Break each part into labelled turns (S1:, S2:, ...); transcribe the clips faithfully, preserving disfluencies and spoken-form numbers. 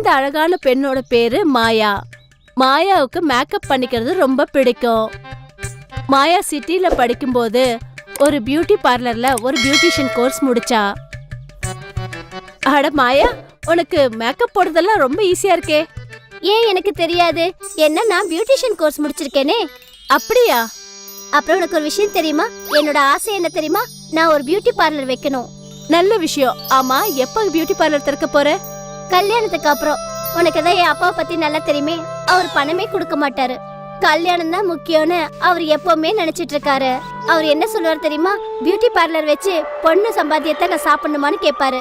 S1: இந்த அழகான பெண்ணோட பேரு மாயா. மாயாவுக்கு மேக்கப் பண்ணிக்கிறது ரொம்ப பிடிக்கும். மாயா சிட்டில படிக்கும்போது ஒரு பியூட்டி பார்லர்ல ஒரு பியூட்டிஷியன் கோர்ஸ் முடிச்சா. அட மாயா, உனக்கு மேக்கப் போடுறதெல்லாம் ரொம்ப ஈஸியா இருக்கே.
S2: ஏன் எனக்கு தெரியாது? என்ன, நான் பியூட்டிஷியன் கோர்ஸ் முடிச்சிருக்கேனே.
S1: அப்படியா?
S2: அப்புறம் உனக்கு ஒரு விஷயம் தெரியுமா? என்னோட ஆசை என்ன தெரியுமா? நான் ஒரு பியூட்டி பார்லர் வைக்கணும்.
S1: நல்ல விஷயம். ஆமா, எப்ப பியூட்டி பார்லர் திறக்க போற?
S2: கல்யாணத்துக்கு அப்புறம். உனக்கு தான் என் அப்பாவை பத்தி நல்லா தெரியுமே. அவர் பணமே கொடுக்க மாட்டாரு. கல்யாணம் தான் முக்கியம்னு அவர் எப்பவுமே நினைச்சிட்டு இருக்காரு. அவர் என்ன சொல்லுவார் தெரியுமா? பியூட்டி பார்லர் வச்சு பொண்ணு சம்பாத்தியத்தை நான் சாப்பிடணுமான்னு கேட்பாரு.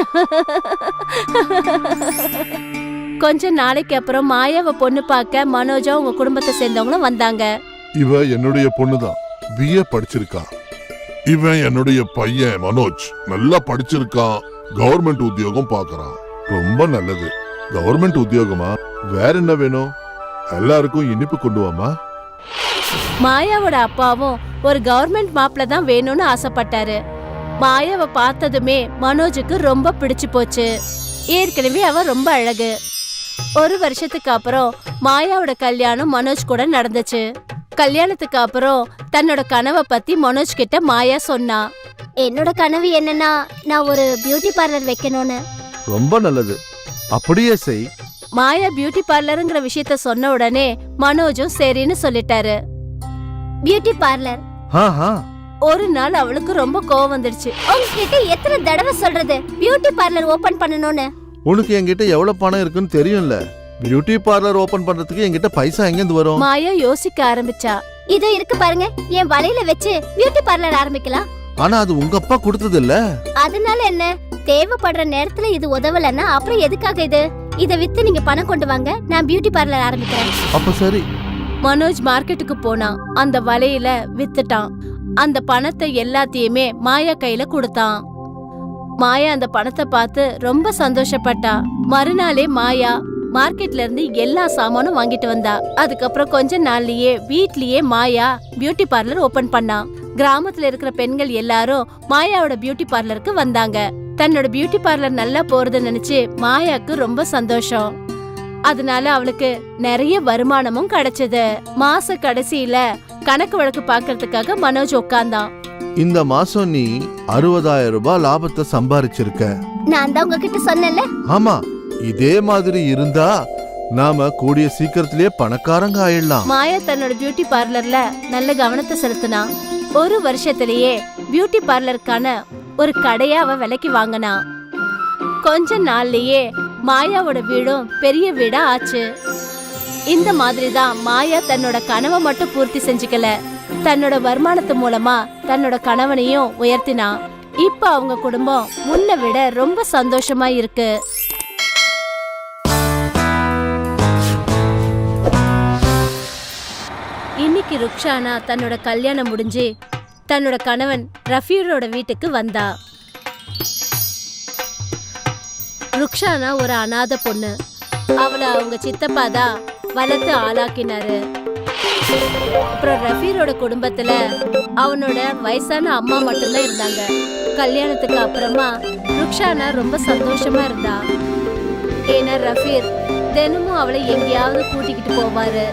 S1: கொஞ்ச நாளைக்கு அப்புறம் மாயாவை பொண்ணு பார்க்க மனோஜா உங்க குடும்பத்தை சேர்ந்தவங்களும் வந்தாங்க.
S3: இவ என்னுடைய பொண்ணுதான், பிஏ படிச்சிருக்கா. இவன் என்னுடைய பையன் மனோஜ், நல்லா படிச்சிருக்கான், கவர்மெண்ட் உத்தியோகம் பாக்குறான். ரொம்ப நல்லது. கவர்மெண்ட் உத்தியோகமா? வேற என்ன வேணும்? எல்லாருக்கும் இனிப்பு கொண்டு வாமா.
S1: மாயாவோட அப்பாவும் ஒரு கவர்மெண்ட் மாப்பிள்ள தான் வேணும்னு ஆசைப்பட்டாரு. மாயாவை பார்த்ததுமே மனோஜுக்கு ரொம்ப பிடிச்சு போச்சு. ஏற்கனவே அவ ரொம்ப அழகு. ஒரு வருஷத்துக்கு அப்புறம் மாயாவோட கல்யாணம் மனோஜ் கூட நடந்துச்சு. கல்யாணத்துக்கு அப்புறம் தன்னோட கனவை பத்தி மனோஜ் கிட்ட மாயா சொன்னா.
S2: என்னோட கனவு என்னன்னா, நான் ஒரு பியூட்டி பார்லர் வைக்கணும்னு.
S4: ரொம்ப நல்லது, அப்படியே செய்.
S1: மாயா பியூட்டி பார்லருங்கிற விஷயத்த சொன்ன உடனே மனோஜும் சரின்னு சொல்லிட்டாரு.
S2: Beauty parlour.
S1: ஒரு நாள் அவளுக்கு ரொம்ப கோவம் வந்துடுச்சு.
S2: உங்ககிட்ட எத்தனை தடவை சொல்றது பியூட்டி பார்லர் ஓபன் பண்ணணும்னு?
S4: உனக்கு என்கிட்ட எவ்வளவு பணம் இருக்குன்னு தெரியும்ல. பியூட்டி பார்லர் ஓபன் பண்றதுக்கு என்கிட்ட பைசா எங்க இருந்து வரும்?
S1: மாயா யோசிக்க ஆரம்பிச்சா.
S2: இதோ இருக்கு பாருங்க, என் வலையில வச்சு பியூட்டி பார்லர் ஆரம்பிக்கலாம்.
S4: ஆனா அது உங்க அப்பா கொடுத்தது இல்ல.
S2: அதனால என்ன? தேவைப்படுற நேரத்துல இது உதவலன்னா அப்புறம் எதுக்காக இது? இத வித்து நீங்க பணம் கொண்டு வாங்க, நான் பியூட்டி பார்லர் ஆரம்பிக்கிறேன்.
S4: அப்ப சரி.
S1: மனோஜ் மார்க்கெட்டுக்கு போனான். அந்த வலையில வித்துட்டான். அந்த பணத்தை எல்லாத்தையுமே மாயா கையில கொடுத்தான். மாயா அந்த பணத்தை பார்த்து ரொம்ப சந்தோஷப்பட்டா. மறுநாளே மாயா மார்க்கெட்ல இருந்து எல்லா சாமானும் வாங்கிட்டு வந்தா. அதுக்கப்புறம் கொஞ்ச நாள்லயே வீட்லயே மாயா பியூட்டி பார்லர் ஓபன் பண்ணா. கிராமத்துல இருக்கிற பெண்கள் எல்லாரும் மாயாவோட பியூட்டி பார்லருக்கு வந்தாங்க. தன்னோட பியூட்டி பார்லர் நல்லா போறது நினைச்சு மாயாக்கு ரொம்ப சந்தோஷம். அதனால அவளுக்கு நிறைய வருமானமும் கிடைச்சது. மாச கடைசியில கணக்கு வழக்கு பாக்கிறதுக்காக மனோஜ் உட்கார்ந்தான்.
S4: இந்த மாசம் நீ அறுபதாயிரம் ரூபாய் லாபத்தை சம்பாரிச்சிருக்க.
S2: நான் தான் உங்ககிட்ட சொன்னேன்ல.
S4: ஆமா, இதே மாதிரி இருந்தா நாம கூடிய சீக்கிரத்திலேயே பணக்காரங்க ஆயிடலாம்.
S1: மாயா தன்னோட பியூட்டி பார்லர்ல நல்ல கவனத்தை செலுத்தினா. ஒரு வருஷத்திலேயே பியூட்டி பார்லருக்கான ஒரு கடையா அவ விலைக்கு வாங்கினா. கொஞ்ச நாள்லயே மாயாவோட வீடும் பெரிய வீடா ஆச்சு. இந்த மாதிரிதான் மாயா தன்னோட கனவை மட்டும் பூர்த்தி செஞ்சுக்கல, தன்னோட வருமானத்து மூலமா தன்னோட கணவனையும் உயர்த்தினா. இப்ப அவங்க குடும்பம் முன்ன விட ரொம்ப சந்தோஷமா இருக்கு. இன்னைக்கு ருக்ஷானா தன்னோட கல்யாணம் முடிஞ்சு தன்னோட கணவன் ரஃபீரோட வீட்டுக்கு வந்தா. ருக்ஷானா ஒரு அநாத பொண்ணு. அவளை அவங்க சித்தப்பா தான் வளர்த்து ஆளாக்கினாரு. அப்புறம் ரஃபீரோட குடும்பத்துல அவனோட வயசான அம்மா மட்டும்தான் இருந்தாங்க. கல்யாணத்துக்கு அப்புறமா ருக்ஷானா ரொம்ப சந்தோஷமா இருந்தா. ஏன்னா ரஃபீர் தினமும் அவளை எங்கேயாவது கூட்டிக்கிட்டு போவாரு.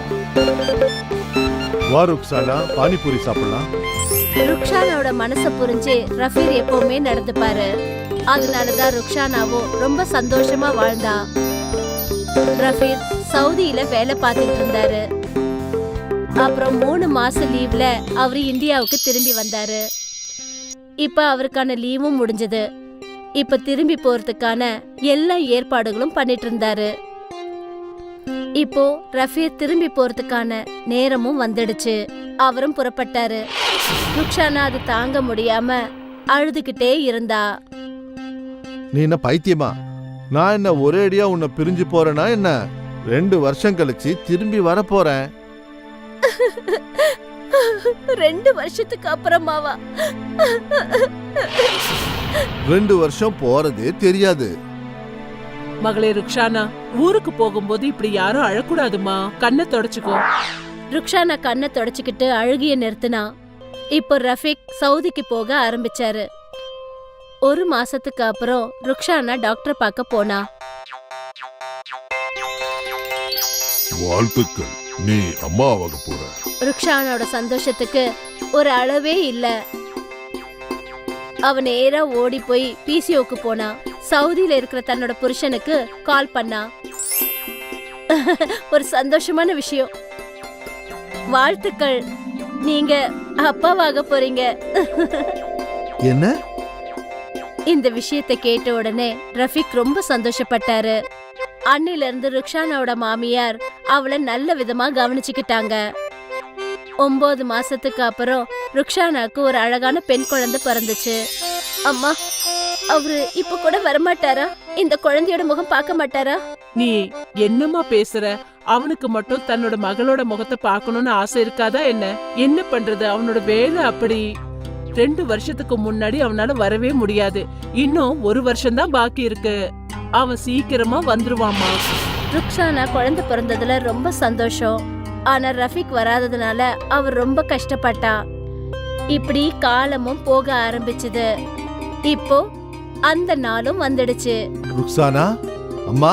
S4: வா ருக்ஷானா, பானிபூரி சாப்பிடலாம்.
S1: ருக்ஷானாவோட மனசை புரிஞ்சு ரஃபீர் எப்பவுமே நடந்துப்பாரு. அதனாலதான் ருக்ஷானாவும் ரொம்ப சந்தோஷமா வாழ்ந்தா. ரஃபீர் சவுதியில வேலை பார்த்துட்டு இருந்தாரு. அப்புறம் மூணு மாசம் லீவ்ல அவரு இந்தியாவுக்கு திரும்பி வந்தாரு. இப்ப அவருக்கான லீவும் முடிஞ்சது. இப்ப திரும்பி போறதுக்கான எல்லா ஏற்பாடுகளும் பண்ணிட்டு இருந்தாரு. இப்போ ரஃபீர் திரும்பி போறதுக்கான நேரமும் வந்துடுச்சு. அவரும் புறப்பட்டாரு. ருக்ஷானா அது தாங்க முடியாம அழுதுகிட்டே இருந்தா.
S4: நீ என்ன பைத்தியமா? நான் என்ன ஒரே அடியா உன்னை பிரிஞ்சு போறேனா என்ன? ரெண்டு வருஷம் கழிச்சு திரும்பி வர போறேன்.
S1: ரெண்டு வருஷத்துக்கு அப்புறமாவா?
S4: ரெண்டு வருஷம் போறதே தெரியாது.
S5: மகளே ருக்ஷானா, ஊருக்கு போகும்போது இப்படி யாரும் அழக்கூடாதுமா, கண்ணை தொடச்சுக்கோ.
S1: ருக்ஷானா கண்ணை தொடச்சுக்கிட்டு அழுகிய நிறுத்தினா. இப்போ ரஃபீக் சவுதிக்கு போக ஆரம்பிச்சாரு. ஒரு மாசத்துக்கு அப்புறம் ருக்ஷானா டாக்டர் பார்க்க போனா.
S3: வாழ்த்துக்கள், நீ அம்மாவாக போற.
S1: ருக்ஷானாவோட சந்தோஷத்துக்கு ஒரு அளவே இல்ல. அவ நேரா ஓடி போய் பிசிஓக்கு போனா. சவுதியில இருக்கிற தன்னோட புருஷனுக்கு கால் பண்ணா. ஒரு சந்தோஷமான விஷயம், வாழ்த்துக்கள், நீங்க அப்பாவாக போறீங்க.
S4: என்ன?
S1: இந்த விஷயத்தை கேட்ட உடனே ரஃபிக் ரொம்ப சந்தோஷப்பட்டாரு. அன்னில இருந்து ருக்ஷானாவோட மாமியார் அவளை நல்ல விதமா கவனிச்சுக்கிட்டாங்க. ஒன்பது மாசத்துக்கு அப்புறம் ருக்ஷானாக்கு ஒரு அழகான பெண் குழந்தை பிறந்துச்சு. அம்மா, அவரு இப்ப கூட வரமாட்டாரா? இந்த குழந்தையோட முகம் பார்க்க மாட்டாரா?
S5: நீ என்னம்மா பேசுற? அவனுக்கு மட்டும் தன்னோட மகளோட முகத்தை பார்க்கணும்னு ஆசை இருக்காதா என்ன? என்ன பண்றது, அவனோட வேலை அப்படி. ரெண்டு வருஷத்துக்கு முன்னாடி அவனால வரவே முடியாது. இன்னும் ஒரு வருஷம் தான் பாக்கி இருக்கு. அவன் சீக்கிரமா வந்துருவாமா.
S1: ருக்ஷானா குழந்தை பிறந்ததுல ரொம்ப சந்தோஷம். ஆனா ரஃபிக் வராததுனால அவர் ரொம்ப கஷ்டப்பட்டா. இப்படி காலமும் போக ஆரம்பிச்சது. இப்போ அந்த நாளும் வந்துடுச்சு.
S4: ருக்ஸானா அம்மா,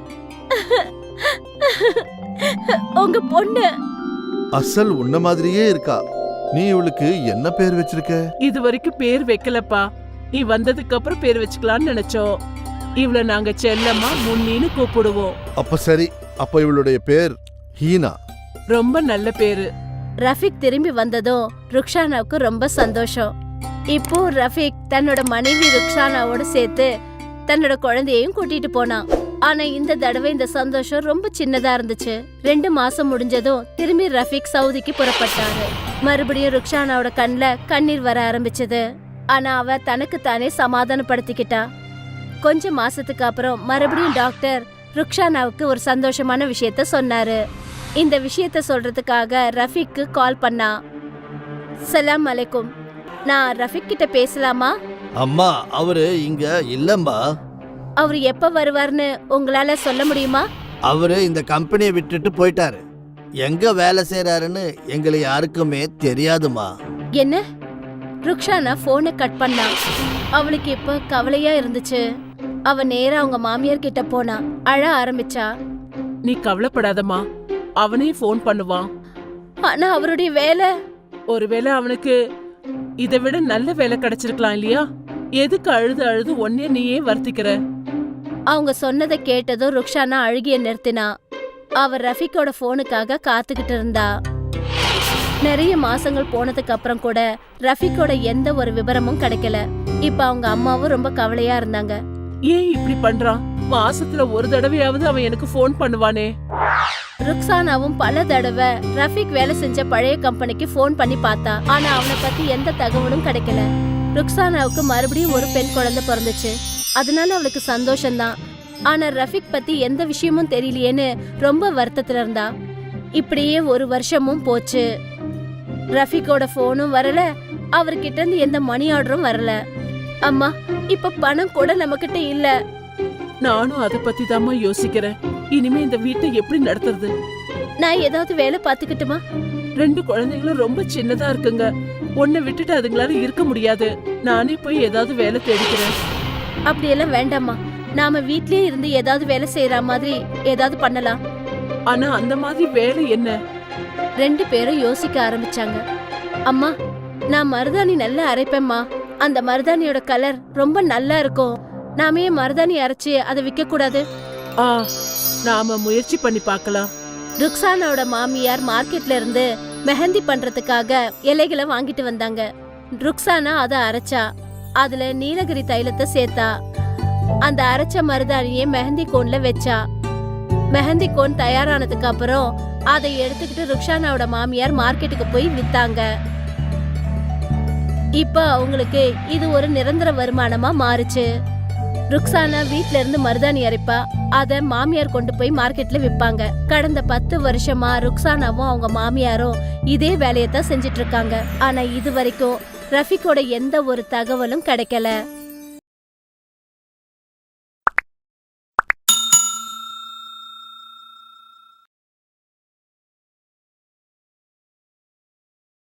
S1: உங்க பொண்ணு
S4: அசல் உன்ன மாதிரியே இருக்கா. நீ இவளுக்கு என்ன பேர் வச்சிருக்க?
S5: இது வரைக்கும் பேர் வைக்கலப்பா. நீ வந்ததுக்கு அப்புறம் பேர் வச்சுக்கலாம்னு நினைச்சோம். இவள நாங்க செல்லம்மா முன்னின்னு கூப்பிடுவோம்.
S4: அப்ப சரி, அப்ப இவளுடைய பேர் ஹீனா.
S5: ரொம்ப நல்ல பேரு.
S1: ரஃபிக் திரும்பி வந்ததும் ருக்ஷானாவுக்கு ரொம்ப சந்தோஷம். இப்போ ரஃபிக் தன்னோட மனைவி ருக்ஷானாவோட சேர்த்து தன்னோட குழந்தையையும் கூட்டிட்டு போனான். ஆனா இந்த தடவை இந்த சந்தோஷம் ரொம்ப சின்னதா இருந்துச்சு. ரெண்டு மாசம் முடிஞ்சதும் திரும்பி ரஃபிக் சவுதிக்கு புறப்பட்டாரு. மறுபடியும் ருக்ஷானாவோட கண்ல கண்ணீர் வர ஆரம்பிச்சது. ஆனா அவ தனக்கு தானே சமாதானப்படுத்திக்கிட்டா. கொஞ்ச மாசத்துக்கு அப்புறம் மறுபடியும் டாக்டர் ருக்ஷானாவுக்கு ஒரு சந்தோஷமான விஷயத்த சொன்னாரு. இந்த விஷயத்த சொல்றதுக்காக ரஃபிக்கு கால் பண்ணா. சலாம் அலைக்கும், நான் ரஃபிக் கிட்ட பேசலாமா?
S6: அம்மா, அவரு இங்க இல்லம்மா.
S1: அவர் எப்ப வருவார்னு உங்களால சொல்ல முடியுமா?
S6: அவரு இந்த கம்பெனியை விட்டுட்டு போயிட்டாரு. எங்க வேலை செய்யறாருன்னு எங்களை யாருக்குமே தெரியாதுமா.
S1: என்ன? ருக்ஷானா போனை கட் பண்ணா. அவளுக்கு இப்ப கவலையா இருந்துச்சு. அவ நேரா அவங்க மாமியார் கிட்ட போனா. அழ ஆரம்பிச்சா.
S5: நீ கவலைப்படாதம்மா, அவனே போன் பண்ணுவான்.
S1: ஆனா அவருடைய வேலை.
S5: ஒருவேளை அவனுக்கு இதை விட நல்ல வேலை கிடைச்சிருக்கலாம் இல்லையா? எதுக்கு அழுது அழுது ஒன்னே நீயே வருத்திக்கிற?
S1: அவங்க சொன்னதை கேட்டதும் ருக்ஷானா அழுகிய நிறுத்தினா. அவ ரஃபிக்கோட போனுக்காக காத்துக்கிட்டு இருந்தா. நிறைய மாசங்கள் போனதுக்கு அப்புறம் கூட ரஃபிக்கோட எந்த ஒரு விவரமும் கிடைக்கல. இப்ப அவங்க அம்மாவும் ரொம்ப கவலையா இருந்தாங்க.
S5: ஏன் இப்படி பண்றான்? மாசத்துல ஒரு தடவையாவது அவன் எனக்கு போன் பண்ணுவானே.
S1: ருக்ஸானாவும் பல தடவை ரஃபிக் வேலை செஞ்ச பழைய கம்பெனிக்கு போன் பண்ணி பார்த்தா. ஆனா அவனை பத்தி எந்த தகவலும் கிடைக்கல. ருக்ஸானாவுக்கு மறுபடியும் ஒரு பெண் குழந்தை பிறந்துச்சு. அதனால அவளுக்கு சந்தோஷம்தான். ஆனா ரஃபிக் பத்தி எந்த விஷயமும் தெரியலையேன்னு ரொம்ப வருத்தத்துல இருந்தா. இப்படியே ஒரு வருஷமும் போச்சு. ரஃபிக்கோட போனும் வரல, அவர்கிட்ட இருந்து எந்த மணி ஆர்டரும் வரல. அம்மா, இப்ப பணம் கூட நம்ம கிட்ட இல்ல.
S5: நானும் அதை பத்தி தாம்மா யோசிக்கிறேன். இனிமே இந்த வீட்டை எப்படி நடத்துறது?
S1: நான் ஏதாவது வேலை பாத்துக்கிட்டுமா?
S5: ரெண்டு குழந்தைங்களும் ரொம்ப சின்னதா இருக்குங்க. உன்னை விட்டுட்டு அதுங்களால இருக்க முடியாது. நானே போய் ஏதாவது வேலை தேடிக்கிறேன்.
S1: அப்படியெல்லாம் வேண்டாம்மா. நாம வீட்லயே இருந்து ஏதாவது வேலை செய்யற மாதிரி ஏதாவது பண்ணலாம்.
S5: ஆனா அந்த மாதிரி வேலை என்ன?
S1: ரெண்டு பேரும் யோசிக்க ஆரம்பிச்சாங்க. அம்மா, நான் மருதாணி நல்லா அரைப்பேம்மா. அந்த மருதாணியோட கலர் ரொம்ப நல்லா இருக்கும். நாமே மருதாணி அரைச்சு அதை விற்க கூடாது?
S5: ஆ, நாம முயற்சி பண்ணி பார்க்கலாம்.
S1: ருக்ஸானாவோட மாமியார் மார்க்கெட்ல இருந்து மெஹந்தி பண்றதுக்காக இலைகளை வாங்கிட்டு வந்தாங்க. ருக்ஸானா அதை அரைச்சா. அதுல நீலகிரி தைலத்தை சேர்த்தா. அந்த அரைச்ச மருதாணியை மெஹந்தி கோன்ல வச்சா. மெஹந்தி கோன் தயாரானதுக்கு அப்புறம் அதை எடுத்துக்கிட்டு ருக்ஸானாவோட மாமியார் மார்க்கெட்டுக்கு போய் வித்தாங்க. இப்ப அவங்களுக்கு இது ஒரு நிரந்தர வருமானமா மாறுச்சு. ருக்ஸானா வீட்ல இருந்து மருதாணி அரைப்பா. அத மாமியார் கொண்டு போய் மார்க்கெட்ல விப்பாங்க. கடந்த பத்து வருஷமா ருக்ஸானாவும் அவங்க மாமியாரும் இதே வேலையத்தான் செஞ்சிட்டு இருக்காங்க. ஆனா இது வரைக்கும் ரஃபிக்கோட எந்த ஒரு தகவலும் கிடைக்கல.